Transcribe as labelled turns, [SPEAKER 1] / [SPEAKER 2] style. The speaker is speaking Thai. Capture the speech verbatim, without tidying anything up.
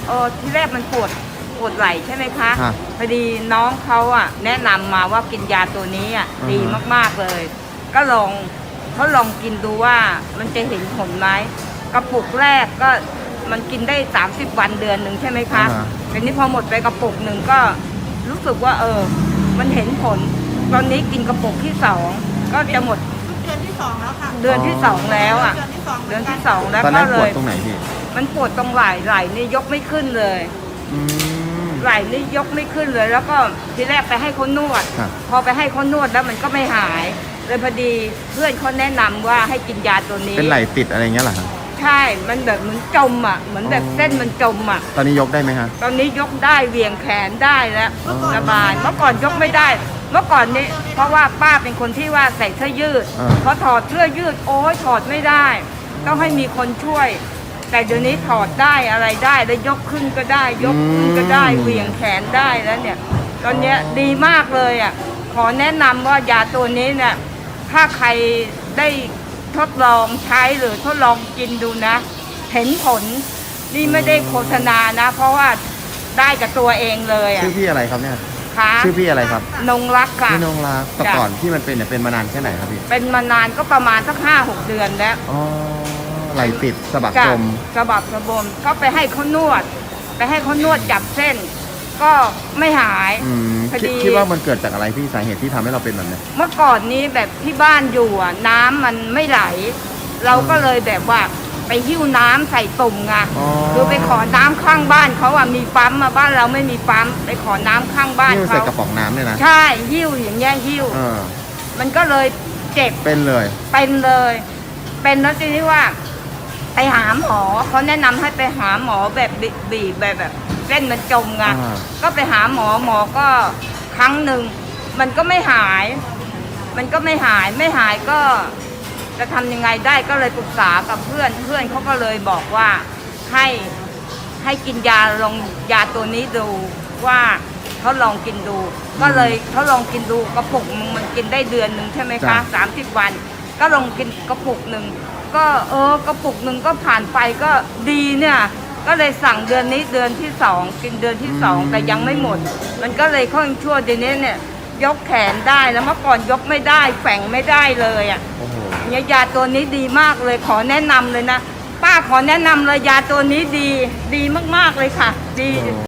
[SPEAKER 1] เออที่แรกมันปวดปวดไหล่ใช่ไหมคะ
[SPEAKER 2] ฮะ
[SPEAKER 1] พอดีน้องเขาอ่ะแนะนำมาว่ากินยาตัวนี้อ่ะ
[SPEAKER 2] อือฮะ
[SPEAKER 1] ดีมากๆเลย ก็ลองเขาลองกินดูว่ามันจะเห็นผลไหมกระปุกแรกก็มันกินได้สามสิบวันเดือนหนึ่งใช่ไหมคะ
[SPEAKER 2] อ่าฮะ
[SPEAKER 1] แต่นี้พอหมดไปกระปุกหนึ่งก็รู้สึกว่าเออ มันเห็นผล ตอนนี้กินกระปุกที่สองก็จะหมด
[SPEAKER 3] เดือนที่สองแล้วค่ะ
[SPEAKER 1] เดือนที่สองแล้วอ่ะ
[SPEAKER 3] เดือนที่สอง
[SPEAKER 1] เดือนที่สองแล้ว
[SPEAKER 2] ตอน
[SPEAKER 1] ก็
[SPEAKER 2] นั้น
[SPEAKER 1] เล
[SPEAKER 2] ปวด
[SPEAKER 1] ย
[SPEAKER 2] ตรงไหนพี่
[SPEAKER 1] มันปวดตรงไหล่ไหล่นี่ยกไม่ขึ้นเลย
[SPEAKER 2] อืม
[SPEAKER 1] ไหล่นี่ยกไม่ขึ้นเลย แล้วก็ทีแรกไปให้เขานวด
[SPEAKER 2] ครับ
[SPEAKER 1] พอไปให้เขานวดแล้วมันก็ไม่หาย เลยพอดีเพื่อนเขาแนะนำว่าให้กินยาตัวนี้
[SPEAKER 2] เป็นไหล่ติดอะไรเงี้ยเหรอครับ
[SPEAKER 1] ใช่ มันแบบเหมือนจมอ่ะ เหมือนแบบ
[SPEAKER 2] อ๋อ
[SPEAKER 1] เส้นมันจมอ่ะ
[SPEAKER 2] ตอนนี้ยกได้ไหมฮะ
[SPEAKER 1] ตอนนี้ยกได้เหวี่ยงแขนได้แล้ว
[SPEAKER 2] อ๋อ
[SPEAKER 1] สบาย เมื่อก่อนยกไม่ได้ เมื่อก่อนนี้ เพราะว่าป้าเป็นคนที่ว่าใส่เสื้อยืด
[SPEAKER 2] อ่า
[SPEAKER 1] พอถอดเสื้อยืดโอ้ยถอดไม่ได้ ต้องให้มีคนช่วย แต่เดี๋ยวนี้ถอดได้อะไรได้แล้วยกขึ้นก็ได้ ยกขึ้นก็ได้เหวี่ยงแขนได้แล้วเนี่ย ตอนเนี้ยดีมากเลยอ่ะ ขอแนะนำว่ายาตัวนี้เนี่ย ถ้าใครได้ทดลองใช้หรือทดลองกินดูนะ เห็นผล นี่ไม่ได้โฆษณานะ เพราะว่าได้กับตัวเองเลยอ่ะ
[SPEAKER 2] ชื่อพี่อะไรครับเนี่ย
[SPEAKER 1] ค่ะ
[SPEAKER 2] ชื่อพี่อะไรครับ
[SPEAKER 1] นงรักค่ะ
[SPEAKER 2] พี่นงรักแต่
[SPEAKER 1] จ้ะ
[SPEAKER 2] ก่อนที่มันเป็นเนี่ยเป็นมานานแค่ไหนครับพี่
[SPEAKER 1] เป็นมานานก็ประมาณสักห้าหกเดือนแล้ว
[SPEAKER 2] อ๋อไหล่ติดสะบัก
[SPEAKER 1] จ้ะ
[SPEAKER 2] จม
[SPEAKER 1] สะบักสะบมก็ไปให้เขานวด ไปให้เขานวดจับเส้น ก็ไม่หาย
[SPEAKER 2] อืม
[SPEAKER 1] พอ
[SPEAKER 2] คิด
[SPEAKER 1] ดี
[SPEAKER 2] คิดว่ามันเกิดจากอะไรพี่สาเหตุที่ทำให้เราเป็นแบบเนี้ย
[SPEAKER 1] เมื่อก่อนนี้แบบที่บ้านอยู่อ่ะน้ำมันไม่ไหล เราก็เลยแบบว่าไปหิ้วน้ำใส่ตุ่มไง
[SPEAKER 2] อ๋อ
[SPEAKER 1] คือไปขอน้ำข้างบ้านเขาอ่ะมีปั๊มมาบ้านเราไม่มีปั๊มไปขอน้ำข้างบ้าน
[SPEAKER 2] นี่มันใส่
[SPEAKER 1] เขา
[SPEAKER 2] กระป๋องน้ำเนี่ยนะ
[SPEAKER 1] ใช่หิ้วอย่างเงี้ยหิ้ว
[SPEAKER 2] เออ
[SPEAKER 1] มันก็เลยเจ็บ
[SPEAKER 2] เป็นเลย
[SPEAKER 1] เป็นเลย เป็นแล้วทีนี้ว่าไปหาหมอเขาแนะนำให้ไปหาหมอแบบบีบแบบแบบเส้นมันจมไง
[SPEAKER 2] อ่า
[SPEAKER 1] ก็ไปหาหมอหมอก็ครั้งหนึ่งมันก็ไม่หาย มันก็ไม่หายไม่หายก็จะทำยังไงได้ก็เลยปรึกษากับเพื่อนเพื่อนเขาก็เลยบอกว่าให้ให้กินยาลองยาตัวนี้ดูว่าเขาลองกินดู ก็เลยเขาลองกินดูกระปุกนึงมันกินได้เดือนหนึ่งใช่ไหมคะ
[SPEAKER 2] จ้ะ
[SPEAKER 1] สามสิบวัน ก็ลองกินกระปุกหนึ่งก็เออกระปุกหนึ่งก็ผ่านไปก็ดีเนี่ย ก็เลยสั่งเดือนนี้เดือนที่สองกินเดือนที่สองแต่ยังไม่หมด มันก็เลยค่อยชั่วเดี๋ยวนี้เนี่ย ยกแขนได้แล้วเมื่อก่อนยกไม่ได้แฝงไม่ได้เลยอ่ะ
[SPEAKER 2] โอ้โห
[SPEAKER 1] เนี่ยยาตัวนี้ดีมากเลยขอแนะนำเลยนะป้าขอแนะนำเลยยาตัวนี้ดี ดีมากๆเลยค่ะ ดี